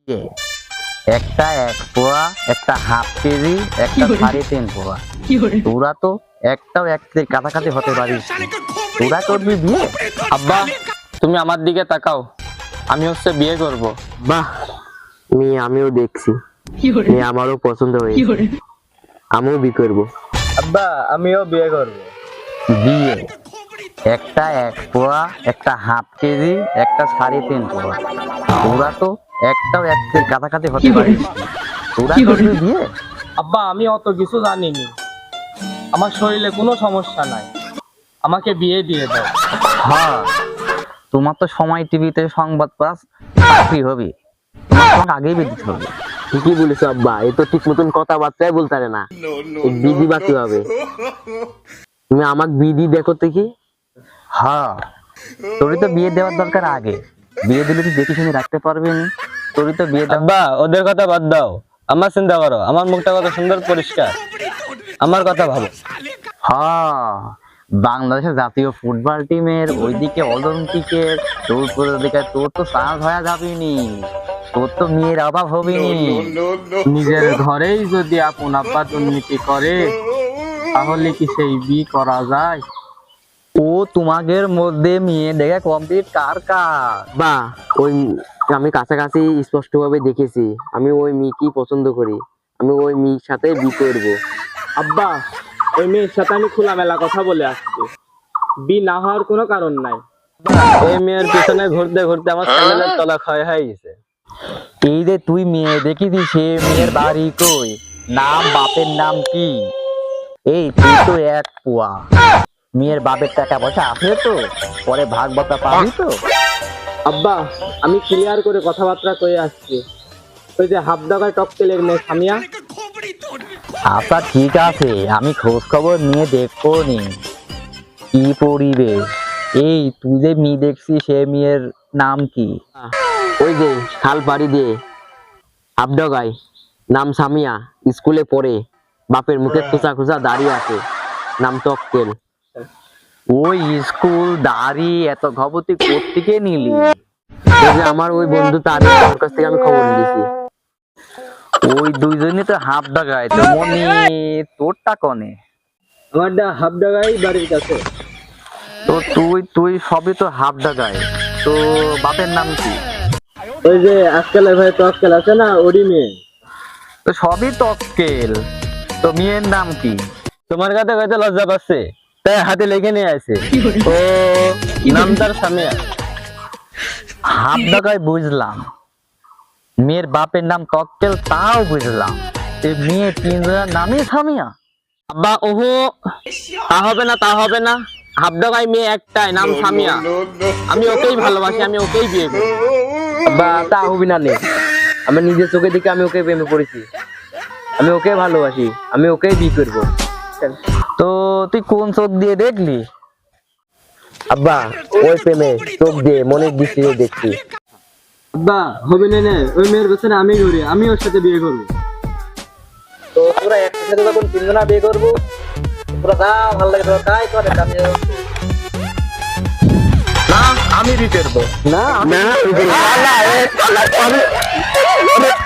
এ, একটা 1 পোয়া, একটা হাফ কেজি, একটা 3.5 পোয়া। তোরা তো একটাও 1 কেজির কাছাকাছি হতে পারিস না। তোরা করবি বিয়ে? আব্বা তুমি আমার দিকে তাকাও, আমি বিয়ে করব। বাহ, মেয়ে আমিও দেখছি, মেয়ে আমারও পছন্দ হয়েছে, আমিও বিয়ে করবো। আব্বা আমিও বিয়ে করব। বিয়ে একটা 1 পোয়া, একটা হাফ কেজি, একটা 3.5 পোয়া। তোরা তো একটাও 1 কেজির কাছাকাছি হতে পারিস না। তোরা করবি বিয়ে? আব্বা আমি অত কিছু জানিনি, আমার শরীরে কোনো সমস্যা নাই, আমাকে বিয়ে দিয়ে দাও। হ্যাঁ, তোমার তো সময় টিভিতে সংবাদ পাস চাকরি হবে, তোমাকে আগেই বেদিতে হবে। ঠিকই বলেছো আব্বা, এ তো ঠিক মতন কথাবার্তাই বলতে পারে না, বিধি বা কিভাবে? তুমি আমাকে বিধি দেখো তো কি। হ্যাঁ, তোরই তো বিয়ে দেওয়ার দরকার আগে। বিয়ে দিলে তুই দেখে শুনে রাখতে পারবি না। তোরই তো বিয়ে দেওয়া। আব্বা ওদের কথা বাদ দাও, আমার চিন্তা করো, আমার মুখটা কত সুন্দর পরিষ্কার, আমার কথা ভাবো। হ্যাঁ, বাংলাদেশের জাতীয় ফুটবল টিমের ওইদিকে অলিম্পিকের তোর দিকে তোর তো চান্স হয়ে যাবিনি, তোর তো মেয়ের অভাব হবিনি। নিজের ঘরেই যদি আপন আব্বা দুর্নীতি করে, তাহলে কি সেই বিয়ে করা যায়? ও তোমাদের মধ্যে মেয়ে দেখে কমপ্লিট কার কার? বা ওই আমি কাছাকাছি স্পষ্ট ভাবে দেখেছি, আমি ওই মেয়েকেই পছন্দ করি, আমি ওই মেয়ের সাথে বিয়ে করবো। আব্বা ওই মেয়ের সাথে আমি খোলামেলা কথা বলে আসছি, বি না হওয়ার কোনো কারণ নাই। এই মেয়ের পিছনে ঘুরতে ঘুরতে আমার স্যান্ডেলের তলা ক্ষয় হয়ে গেছে। এই যে তুই মেয়ে দেখিস, সে মেয়ের বাড়ি কই, নাম বাপের নাম কি? এই তুই তো 1 পোয়া, মেয়ের বাপের টাকা পয়সা আছে তো, পরে ভাগ বতা পাবি তো? আব্বা আমি ক্লিয়ার করে কথাবার্তা কয়ে আসছি, ওই যে হাফদাগায় টকটেলের মেয়ে সামিয়া। আচ্ছা ঠিক আছে, আমি খোঁজ খবর নিয়ে দেখবো নি কি পরিবেশ। এই তুই যে মেয়ে দেখছিস, সে মেয়ের নাম কি? ওই যে খাল পাড়ি দিয়ে হাবডগায়, নাম সামিয়া, স্কুলে পড়ে, বাপের মুখে খোঁচা খোঁচা দাঁড়িয়ে আছে, নাম টকটেল। ওই স্কুল দাড়ি এত খবর তুই কোত্থেকে নিলি? ওই যে আমার ওই বন্ধু তার কাছ থেকে আমি খবর নিয়েছি। ওই দুইজনই তো হাফ ডাকায়, তো মনি তোরটা কনে? আমারটা হাফদাগাই বাড়ির কাছে। তো তুই তুই সবই তো হাফ ডাকায়, তো বাপের নাম কি? ওই যে আজকালের ভাই টকটেল আছে না, ওরই মেয়ে। তো সবই টক্কেল, তো মেয়ের নাম কি? তোমার কাছে হয়তো লজ্জা পাচ্ছে, তাই হাতে লিখে নিয়ে আসে, ও নাম তার সামিয়া। হাফ ডাকায় বুঝলাম, মেয়ের বাপের নাম টক্কেল তাও বুঝলাম, এই মেয়ে 3 জনের নামই সামিয়া। আব্বা ওহো, তা হবে না, তা হবে না, হাফদাগাই মেয়ে একটাই, নাম সামিয়া, আমি ওকেই ভালোবাসি, আমি ওকেই বিয়ে করি। বা তা হবি না নে, আমি নিজের চোখে দেখে আমি ওকে প্রেমে পড়েছি, আমি ওকে ভালোবাসি, আমি ওকেই বিয়ে করবো। তো তুই কোন চোখ দিয়ে দেখলি? আব্বা ওই প্রেমে চোখ দিয়ে মনের দৃষ্টি দিয়ে দেখছি। আব্বা হবে না, ওই মেয়ের পেছনে আমি ঘুরি, আমি ওর সাথে বিয়ে করবো। তো তোরা একসাথে যখন 3 জনা বিয়ে করবো, তোরা যা ভালো লাগে তোরা তাই করে। না আমি বিয়ে করবো। না না